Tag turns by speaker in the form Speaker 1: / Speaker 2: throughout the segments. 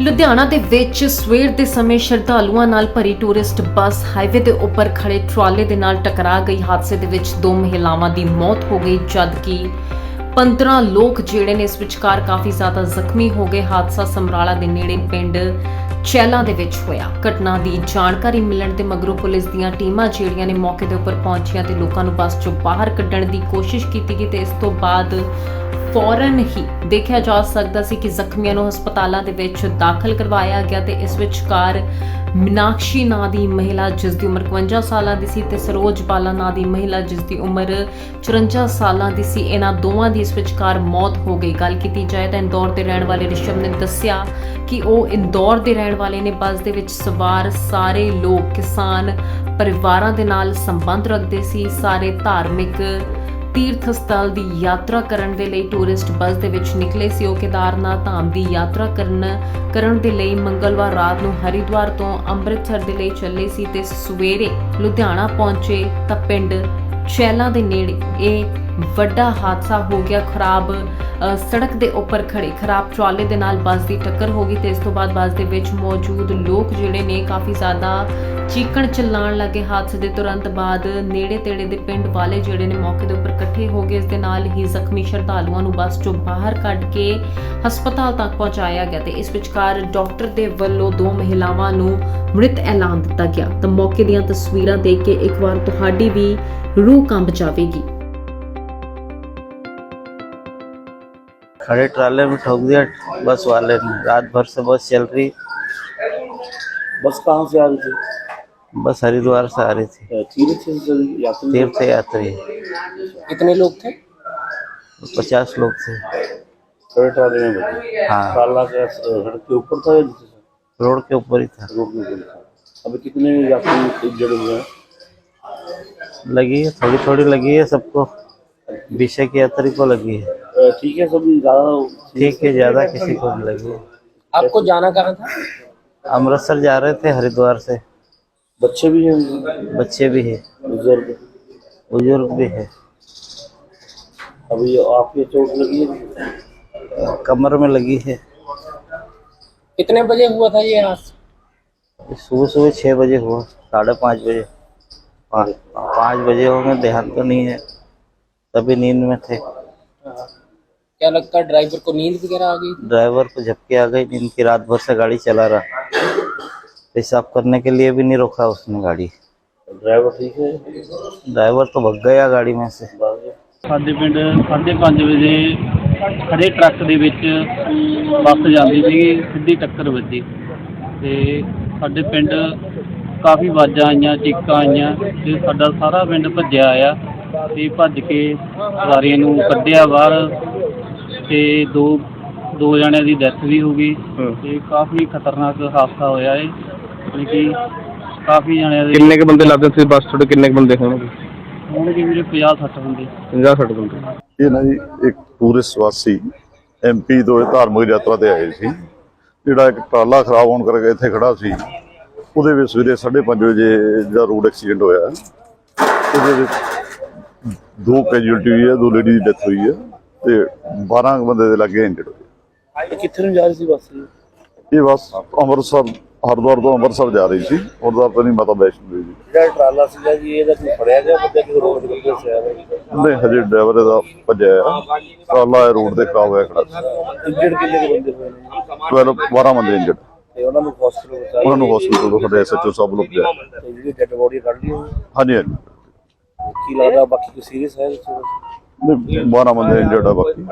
Speaker 1: ਲੁਧਿਆਣਾ ਦੇ ਵਿੱਚ ਸਵੇਰ ਦੇ ਸਮੇਂ ਸ਼ਰਧਾਲੂਆਂ ਨਾਲ ਭਰੀ ਟੂਰਿਸਟ ਬੱਸ ਹਾਈਵੇ ਦੇ ਉੱਪਰ ਖੜੇ ਟਰਾਲੇ ਦੇ ਨਾਲ ਟਕਰਾ ਗਈ। ਹਾਦਸੇ ਦੇ ਵਿੱਚ 2 ਮਹਿਲਾਵਾਂ ਦੀ ਮੌਤ ਹੋ ਗਈ, ਜਦਕਿ 15 ਲੋਕ ਜਿਹੜੇ ਨੇ ਇਸ ਵਿਚਕਾਰ ਕਾਫੀ ਜ਼ਿਆਦਾ ਜ਼ਖਮੀ ਹੋ ਗਏ। ਹਾਦਸਾ ਸਮਰਾਲਾ ਦੇ ਨੇੜੇ ਪਿੰਡ ਚੈਲਾ ਦੇ ਵਿੱਚ ਹੋਇਆ। ਘਟਨਾ ਦੀ ਜਾਣਕਾਰੀ ਮਿਲਣ ਤੇ ਮਗਰੋਂ ਪੁਲਿਸ ਦੀਆਂ ਟੀਮਾਂ ਜਿਹੜੀਆਂ ਨੇ ਮੌਕੇ ਦੇ ਉੱਪਰ ਪਹੁੰਚੀਆਂ ਤੇ ਲੋਕਾਂ ਨੂੰ ਬੱਸ ਚੋਂ ਬਾਹਰ ਕੱਢਣ ਦੀ ਕੋਸ਼ਿਸ਼ ਕੀਤੀ ਗਈ ਤੇ ਇਸ ਤੋਂ ਬਾਅਦ ਫੌਰਨ ਹੀ ਦੇਖਿਆ ਜਾ ਸਕਦਾ ਸੀ ਕਿ ਜ਼ਖਮੀਆਂ ਨੂੰ ਹਸਪਤਾਲਾਂ ਦੇ ਵਿੱਚ ਦਾਖਲ ਕਰਵਾਇਆ ਗਿਆ ਤੇ ਇਸ ਵਿਚਕਾਰ ਮੀਨਾਕਸ਼ੀ ਨਾਂ ਦੀ ਮਹਿਲਾ ਜਿਸ ਦੀ ਉਮਰ 52 ਸਾਲਾਂ ਦੀ ਸੀ ਤੇ ਸਰੋਜ ਬਾਲਾ ਨਾਂ ਦੀ ਮਹਿਲਾ ਜਿਸ ਦੀ ਉਮਰ 54 ਸਾਲਾਂ ਦੀ ਸੀ, ਇਹਨਾਂ ਦੋਵਾਂ ਦੀ ਇਸ ਵਿਚਕਾਰ ਮੌਤ ਹੋ ਗਈ। ਗੱਲ ਕੀਤੀ ਜਾਏ ਤਾਂ ਇੰਦੌਰ ਦੇ ਰਹਿਣ ਵਾਲੇ ਰਿਸ਼ਵ ਨੇ ਦੱਸਿਆ ਕਿ ਉਹ ਇੰਦੌਰ ਦੇ ਰਹਿਣ ਵਾਲੇ ਨੇ। ਬੱਸ ਦੇ ਵਿੱਚ ਸਵਾਰ ਸਾਰੇ ਲੋਕ ਕਿਸਾਨ ਪਰਿਵਾਰਾਂ ਦੇ ਨਾਲ ਸੰਬੰਧ ਰੱਖਦੇ ਸੀ। ਸਾਰੇ ਧਾਰਮਿਕ ਤੀਰਥ ਸਥਲ ਦੀ ਯਾਤਰਾ ਕਰਨ ਦੇ ਲਈ ਟੂਰਿਸਟ ਬੱਸ ਦੇ ਵਿੱਚ ਨਿਕਲੇ ਸੀ। ਉਹ ਕੇਦਾਰਨਾਥ ਧਾਮ ਦੀ ਯਾਤਰਾ ਕਰਨ ਦੇ ਲਈ ਮੰਗਲਵਾਰ ਰਾਤ ਨੂੰ ਹਰਿਦੁਆਰ ਤੋਂ ਅੰਮ੍ਰਿਤਸਰ ਦੇ ਲਈ ਚੱਲੇ ਸੀ ਤੇ ਸਵੇਰੇ ਲੁਧਿਆਣਾ ਪਹੁੰਚੇ ਤਾਂ ਪਿੰਡ ਚੈਲਾ ਦੇ ਨੇੜੇ ਇਹ ਵੱਡਾ ਹਾਦਸਾ ਹੋ ਗਿਆ। ਖਰਾਬ ਸੜਕ ਦੇ ਉੱਪਰ ਖੜੇ ਖਰਾਬ ਟਰਾਲੇ ਦੇ ਨਾਲ ਬੱਸ ਦੀ ਟੱਕਰ ਹੋ ਗਈ ਤੇ ਇਸ ਤੋਂ ਬਾਅਦ ਬੱਸ ਦੇ ਵਿੱਚ ਮੌਜੂਦ ਲੋਕ ਜਿਹੜੇ ਨੇ ਕਾਫੀ ਜ਼ਿਆਦਾ ਚੀਕਣ ਚਿੱਲਾਣ ਲੱਗੇ। ਹਾਦਸੇ ਦੇ ਤੁਰੰਤ ਬਾਅਦ ਨੇੜੇ ਤੇੜੇ ਦੇ ਪਿੰਡ ਵਾਲੇ ਜਿਹੜੇ ਨੇ ਮੌਕੇ ਦੇ ਉੱਪਰ ਇਕੱਠੇ ਹੋ ਗਏ। ਇਸ ਦੇ ਨਾਲ ਹੀ ਜ਼ਖਮੀ ਸ਼ਰਧਾਲੂਆਂ ਨੂੰ ਬੱਸ ਚੋਂ ਬਾਹਰ ਕੱਢ ਕੇ ਹਸਪਤਾਲ ਤੱਕ ਪਹੁੰਚਾਇਆ ਗਿਆ ਤੇ ਇਸ ਵਿਚਕਾਰ ਡਾਕਟਰ ਦੇ ਵੱਲੋਂ 2 ਮਹਿਲਾਵਾਂ ਨੂੰ ਮ੍ਰਿਤ ਐਲਾਨ ਦਿੱਤਾ ਗਿਆ। ਤਾਂ ਮੌਕੇ ਦੀਆਂ ਤਸਵੀਰਾਂ ਦੇਖ ਕੇ ਇੱਕ ਵਾਰ ਤੁਹਾਡੀ ਵੀ रूह कंब जाएगी।
Speaker 2: खड़े ट्राले में ठोक दिया बस वाले ने। रात भर से बस चल रही।
Speaker 3: बस कहाँ से आ रही थी?
Speaker 2: बस हरिद्वार से आ रही थी। तीर्थ यात्री।
Speaker 3: कितने लोग थे?
Speaker 2: 50 लोग थे।
Speaker 3: खड़े ट्राले में बैठे? हाँ। ट्राला क्या सड़क के ऊपर था या नीचे था?
Speaker 2: रोड के ऊपर ही था।
Speaker 3: रोड में था। अभी कितने यात्री इंजर्ड हुए हैं?
Speaker 2: लगी है, थोड़ी थोड़ी लगी है सबको। विषय की यात्री को लगी है।
Speaker 3: ठीक है, सब ज्यादा
Speaker 2: ठीक है, ज्यादा किसी को नहीं लगी है।
Speaker 3: आपको जाना कहाँ था?
Speaker 2: अमृतसर जा रहे थे हरिद्वार से।
Speaker 3: बच्चे भी हैं?
Speaker 2: बच्चे भी है, बुजुर्ग भी है।
Speaker 3: अभी आपकी चोट लगी है?
Speaker 2: कमर में लगी है।
Speaker 3: कितने बजे हुआ था ये हादसा?
Speaker 2: सुबह 6 बजे हुआ, 5:30 बजे। 5 बजे होंगे, ध्यान तो नहीं है, तभी नींद में थे।
Speaker 3: क्या लगता है ड्राइवर को नींद वगैरह आ गई?
Speaker 2: ड्राइवर को झपकी आ गई नींद की। रात भर से गाड़ी चला रहा, पेशाब करने के लिए भी नहीं रोका उसने गाड़ी।
Speaker 3: ड्राइवर ठीक है?
Speaker 2: ड्राइवर तो भग गया गाड़ी में से।
Speaker 4: ਸਾਡੇ ਪਿੰਡ 5:30 ਵਜੇ ਖੜੇ ਟਰੱਕ ਦੇ ਵਿੱਚ ਬੱਸ ਜਾਂਦੀ ਸੀਗੀ, ਸਿੱਧੀ ਟੱਕਰ ਵੱਜੀ ਤੇ ਸਾਡੇ ਪਿੰਡ ਕਾਫੀ ਆਵਾਜ਼ਾਂ ਆਈਆਂ, ਚੀਕਾਂ ਆਈਆਂ ਤੇ ਸਾਡਾ ਸਾਰਾ ਪਿੰਡ ਭੱਜਿਆ ਆਇਆ ਤੇ ਭੱਜ ਕੇ ਸਵਾਰੀਆਂ ਨੂੰ ਕੱਢਿਆ ਬਾਹਰ ਤੇ ਦੋ ਜਣਿਆਂ ਦੀ ਡੈਥ ਵੀ ਹੋ ਗਈ ਤੇ ਕਾਫੀ ਖਤਰਨਾਕ ਹਾਦਸਾ ਹੋਇਆ ਹੈ। ਯਾਨੀ ਕਿ ਕਾਫੀ ਜਣਿਆਂ ਦੇ।
Speaker 5: ਕਿੰਨੇ ਕੁ ਬੰਦੇ ਲੱਗਦੇ ਸੀ ਬੱਸ ਤੁਹਾਡੇ? ਕਿੰਨੇ ਕੁ ਬੰਦੇ ਹੋਣਗੇ?
Speaker 4: ਹੋਣਗੇ ਵੀਰੇ 50-60 ਬੰਦੇ।
Speaker 5: 50-60 ਬੰਦੇ।
Speaker 6: ਇਹ ਨਾ ਜੀ ਇੱਕ ਟੂਰਿਸਟ ਵਾਸੀ MP ਤੋਂ ਧਾਰਮਿਕ ਯਾਤਰਾ ਤੇ ਆਏ ਸੀ। ਜਿਹੜਾ ਇੱਕ ਟਰਾਲਾ ਖਰਾਬ ਹੋਣ ਕਰਕੇ ਇੱਥੇ ਖੜਾ ਸੀ, ਉਹਦੇ ਵਿੱਚ ਸਵੇਰੇ 5:30 ਵਜੇ ਜਿਹੜਾ ਰੋਡ ਐਕਸੀਡੈਂਟ ਹੋਇਆ, ਉਹਦੇ ਵਿੱਚ 2 ਕੈਜੂਅਲਟੀ ਹੋਈ ਹੈ, 2 ਲੇਡੀ ਦੀ ਡੈਥ ਹੋਈ ਹੈ ਤੇ 12 ਬੰਦੇ ਦੇ ਲੱਗੇ ਇੰਜਰਡ ਹੋਏ।
Speaker 3: ਕਿੱਥੇ ਨੂੰ ਜਾ ਰਹੀ ਸੀ ਬੱਸ?
Speaker 6: ਇਹ ਬੱਸ ਅੰਮ੍ਰਿਤਸਰ, ਹਰਿਦੁਆਰ ਤੋਂ ਅੰਮ੍ਰਿਤਸਰ ਜਾ ਰਹੀ ਸੀ। ਹਰਿਦੁਆਰ ਤੋਂ ਨਹੀਂ, ਮਾਤਾ ਵੈਸ਼ਨੋ ਦੇਵੀ।
Speaker 3: ਜਿਹੜਾ ਟਰਾਲਾ ਸੀਗਾ ਜੀ, ਇਹਦਾ ਕੋਈ ਫੜਿਆ ਗਿਆ ਬੰਦਾ ਕਿ ਰੋਡ ਦੇ ਉੱਤੇ ਸਿਆ ਰਿਹਾ?
Speaker 6: ਨਹੀਂ, ਹਜੇ ਡਰਾਈਵਰ ਇਹਦਾ ਭੱਜਿਆ ਆ। ਟਰਾਲਾ ਰੋਡ ਤੇ ਖਰਾਬ ਹੋਇਆ ਖੜਾ ਸੀ।
Speaker 3: ਇੰਜਰਡ ਕਿੰਨੇ ਕੁ ਬੰਦੇ ਹੋਏ ਨੇ?
Speaker 6: 12 ਬੰਦੇ ਇੰਜਰਡ।
Speaker 3: ਤੇ ਉਹਨਾਂ ਨੂੰ ਹਸਪੀਟਲ ਪਹੁੰਚਾਇਆ?
Speaker 6: ਉਹਨਾਂ ਨੂੰ ਹਸਪੀਟਲ ਤੋਂ ਸਾਡੇ SHO ਸਾਹਿਬ ਲੋਕ ਗਏ।
Speaker 3: ਤੇ ਜਿਹੜੀ ਡੈਡ ਬੋਡੀ ਕੱਢ ਲਈ ਹੋਈ?
Speaker 6: ਹਾਂਜੀ ਹਾਂਜੀ।
Speaker 3: ਕੀ ਲੱਗਦਾ ਬਾਕੀ ਕੋਈ ਸੀਰੀਅਸ ਹੈ?
Speaker 6: 12 ਬੰਦੇ ਇੰਜਰਡ ਆ ਬਾਕੀ।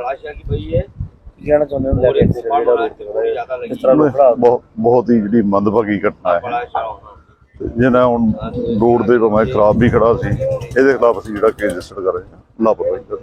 Speaker 3: ਕੀ ਕਹਿਣਾ ਚਾਹੁੰਦੇ ਹੋ ਲੈ ਕੇ ਜਿਹੜਾ ਰੋਡ ਤੇ ਖੜਾ ਹੈ? ਇਸ ਤਰ੍ਹਾਂ ਲੋਕ
Speaker 6: ਬਹੁਤ ਹੀ ਜਿਹੜੀ ਮੰਦਭਾਗੀ ਘਟਨਾ ਹੈ। ਜਿਹਨਾਂ ਹੁਣ ਰੋਡ ਦੇ ਤੋਂ ਮੈਂ ਖਰਾਬ ਵੀ ਖੜਾ ਸੀ, ਇਹਦੇ ਖਿਲਾਫ ਅਸੀਂ ਜਿਹੜਾ ਕੇਸ ਰਜਿਸਟਰ ਕਰ ਰਹੇ ਹਾਂ, ਲਾਪਰਵਾਹੀ।